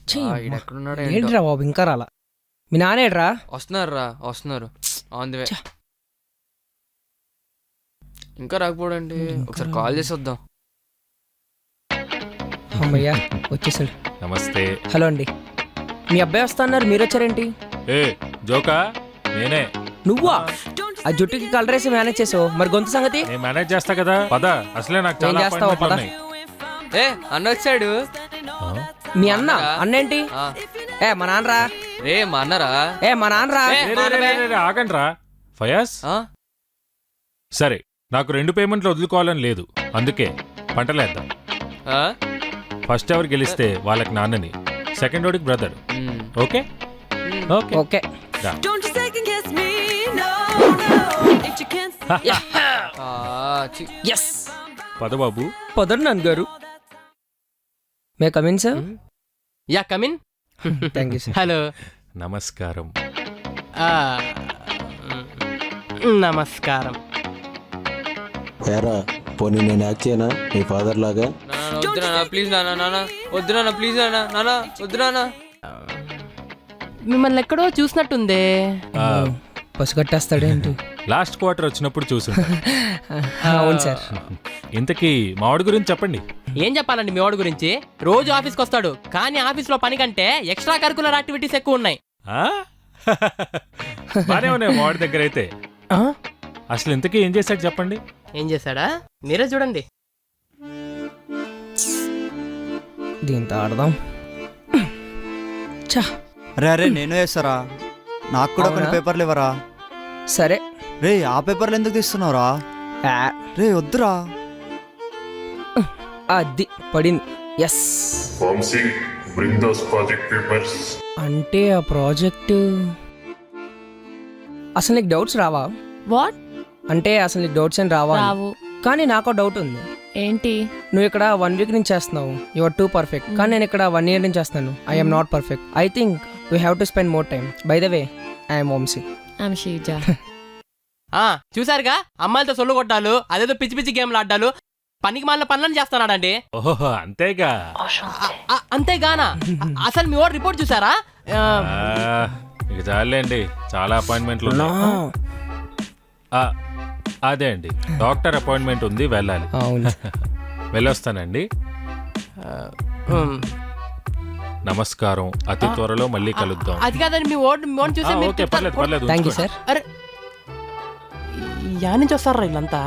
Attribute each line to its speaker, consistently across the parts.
Speaker 1: ఏంట్రా బాబు ఇంకా రాలా మీ నానేడ్రా
Speaker 2: వస్తున్నారు ఆన్ ది వే. ఇంకా రాకపోడండి, ఒకసారి కాల్ చేసి వద్దాం.
Speaker 1: అమ్మయ్యా వచ్చేసాడు.
Speaker 3: నమస్తే.
Speaker 1: హలో అండి, మీ అబ్బాయి వస్తా అన్నారు, మీరు వచ్చారేంటి?
Speaker 3: ఏ జోకా, నేనే.
Speaker 1: నువ్వా? ఆ జుట్టుకి కలర్ వేసి మేనేజ్ చేసావు, మరి గొంతు సంగతి?
Speaker 3: నేను మేనేజ్ చేస్తా కదా, పద. అసలే నాకు చాలా
Speaker 1: చేస్తావా? పద.
Speaker 2: ఏ అన్న వచ్చాడు.
Speaker 1: మీ అన్న? అన్నేంటి? ఏ మా నాన్నరా.
Speaker 2: రే మా అన్నరా.
Speaker 1: ఏ మా నాన్నరా.
Speaker 3: ఆగండి రా ఫయాజ్. సరే, నాకు 2 పేమెంట్లు వదులుకోవాలని లేదు, అందుకే పంటలేద్దాం. ఫస్ట్ ఎవరు గెలిస్తే వాళ్ళకి నాన్నని, సెకండ్ వాడికి బ్రదర్. Okay okay
Speaker 1: okay.
Speaker 3: పద బాబు.
Speaker 1: పదరు నాన్న గారు. May come in sir?
Speaker 2: Yeah come in.
Speaker 1: Thank you sir.
Speaker 2: Hello.
Speaker 3: నమస్కారం.
Speaker 2: నమస్కారం.
Speaker 4: ఏరా పోనీ నేను యాక్ట్ చేయనా మీ ఫాదర్ లాగా?
Speaker 2: ప్లీజ్ నాన్న, వద్దు నాన్న, ప్లీజ్ నాన్న, వద్దు నాన్న.
Speaker 5: మిమ్మల్ని ఎక్కడో చూసినట్టుందే.
Speaker 1: బస్సు కట్టేస్తాడేంటి?
Speaker 3: లాస్ట్ క్వార్టర్ వచ్చినప్పుడు చూసు.
Speaker 1: అవును సార్.
Speaker 3: ఇంతకీ మావాడి గురించి చెప్పండి.
Speaker 5: ఏం చెప్పాలండి మీ వాడి గురించి? రోజు ఆఫీస్కి వస్తాడు, కానీ ఆఫీస్లో పని కంటే ఎక్స్ట్రా కరికులర్ యాక్టివిటీస్ ఎక్కువ ఉన్నాయి.
Speaker 3: బానే ఉన్నాయి మావాడి దగ్గర అయితే. అసలు ఇంతకీ ఏం చేశాడు చెప్పండి.
Speaker 5: ఏం చేశాడా మీరే చూడండి.
Speaker 1: దీంతో ఆడదాం.
Speaker 6: రే నేను వేస్తారా, నాకు కూడా కొన్ని పేపర్లు ఇవ్వరా?
Speaker 1: సరే.
Speaker 6: రే ఆ పేపర్లు ఎందుకు తీస్తున్నావురా? రే వద్దురా.
Speaker 1: అది పడింది. ఎస్. అంటే ఆ ప్రాజెక్ట్ అసలు నీకు డౌట్స్ రావా?
Speaker 7: వాట్
Speaker 1: అంటే అసలు నీకు డౌట్స్ ఏం రావా?
Speaker 7: రావు.
Speaker 1: కానీ నాకు డౌట్ ఉంది.
Speaker 7: ఏంటి?
Speaker 1: నువ్వు ఇక్కడ 1 వీక్ నుంచి చేస్తున్నావు, యు ఆర్ టూ పర్ఫెక్ట్. కానీ నేను ఇక్కడ 1 year నుంచి చేస్తాను, I'm not perfect. I think we have to spend more time. By the way, I'm Vamsi.
Speaker 7: I'm Sheeja.
Speaker 5: చూసారుగా, అమ్మాయిలతో సొల్లు కొట్టాలు, అదేదో పిచ్చి పిచ్చి గేమ్లు ఆడ్డాలు, పనికి మాలిన పనులను చేస్తున్నాడండి.
Speaker 3: ఓహో అంతేగా.
Speaker 5: అంతేగానా? అసలు మీ వాడు రిపోర్ట్ చూసారా?
Speaker 3: ఇక చాలండి, చాలా అపాయింట్మెంట్లు ఉన్నాయి. అదే అండి, డాక్టర్ అపాయింట్మెంట్ ఉంది, వెళ్ళాలి. వెళ్ళొస్తానండి. నమస్కారం, అతి త్వరలో మళ్ళీ కలుద్దాం.
Speaker 5: అది కాదండి, మీ వాడు చూసి
Speaker 3: పర్లేదు.
Speaker 1: Thank you sir.
Speaker 5: అరే యా నుంచి వస్తారా వీళ్ళంతా?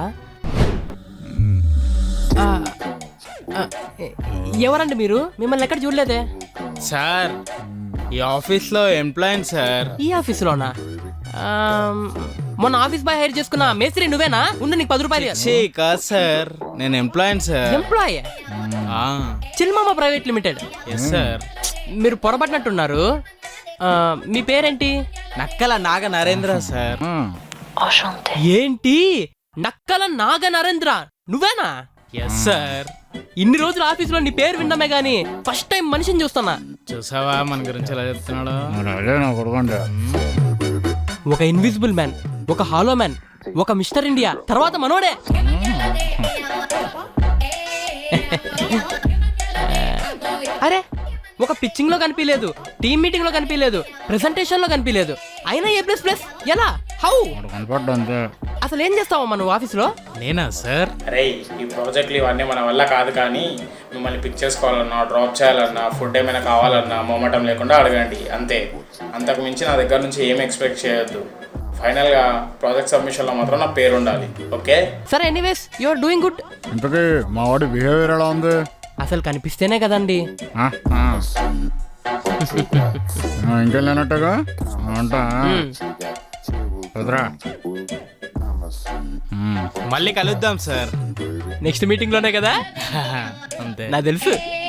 Speaker 5: ఎవరండి మీరు? మిమ్మల్ని ఎక్కడ చూడలేదే
Speaker 8: సార్. ఈ ఆఫీస్లో ఎంప్లాయీ సార్.
Speaker 5: ఈ ఆఫీసులోనా? మొన్న ఆఫీస్ బాయ్ హైర్ చేసుకున్న మేస్త్రి నువ్వేనా? ఉండు, నీకు 10 రూపాయలు.
Speaker 8: కాదు సార్, నేను ఎంప్లాయీ సార్.
Speaker 5: ఎంప్లాయీ? చిల్మామ ప్రైవేట్ లిమిటెడ్.
Speaker 8: Yes sir.
Speaker 5: మీరు పొరపడినట్టున్నారు. మీ పేరేంటి?
Speaker 8: నక్కల నాగ నరేంద్ర సార్.
Speaker 5: ఏంటి నక్కల నాగ నరేంద్ర? నువ్వేనా?
Speaker 8: Yes sir.
Speaker 5: ఇన్ని రోజులు ఆఫీసులో నీ పేరు విన్నామే గానీ ఫస్ట్ టైం మనిషిని చూస్తున్నా.
Speaker 8: చూసావా మన గురించి ఎలా చెప్తున్నాడు?
Speaker 5: ఒక ఇన్విజిబుల్ మ్యాన్, ఒక హాలో మ్యాన్, ఒక మిస్టర్ ఇండియా, తర్వాత మనోడే. అరే ఒక పిచ్చింగ్ లో కనిపించలేదు, టీమ్ మీటింగ్ లో కనిపించలేదు, ప్రెజెంటేషన్ లో కనిపించలేదు, అయినా A++ ఎలా? హౌ? అసలు ఏం చేస్తావమ్మా నువ్వు ఆఫీస్లో?
Speaker 8: నేనా సార్?
Speaker 9: అరే ఈ ప్రాజెక్టులు ఇవన్నీ మన వల్ల కాదు, కానీ మిమ్మల్ని పిక్ చేసుకోవాలన్నా, డ్రాప్ చేయాలన్నా, ఫుడ్ ఏమైనా కావాలన్నా మొమ్మటం లేకుండా అడగండి, అంతే. అంతకు మించి నా దగ్గర నుంచి ఏం ఎక్స్పెక్ట్ చేయొద్దు. ఫైనల్గా ప్రాజెక్ట్ సబ్మిషన్లో మాత్రం నా పేరు ఉండాలి, ఓకే?
Speaker 5: సరే, anyways you are doing good.
Speaker 10: ఇంతకీ మా వాడి బిహేవియర్ ఎలా ఉంది?
Speaker 5: అసలు కనిపిస్తేనే కదండి.
Speaker 10: ఇంకేం లేనట్టుగా ఉంటా.
Speaker 8: మళ్ళీ కలుద్దాం సార్.
Speaker 5: నెక్స్ట్ మీటింగ్ లోనే కదా?
Speaker 8: అంతే,
Speaker 5: నాకు తెలుసు.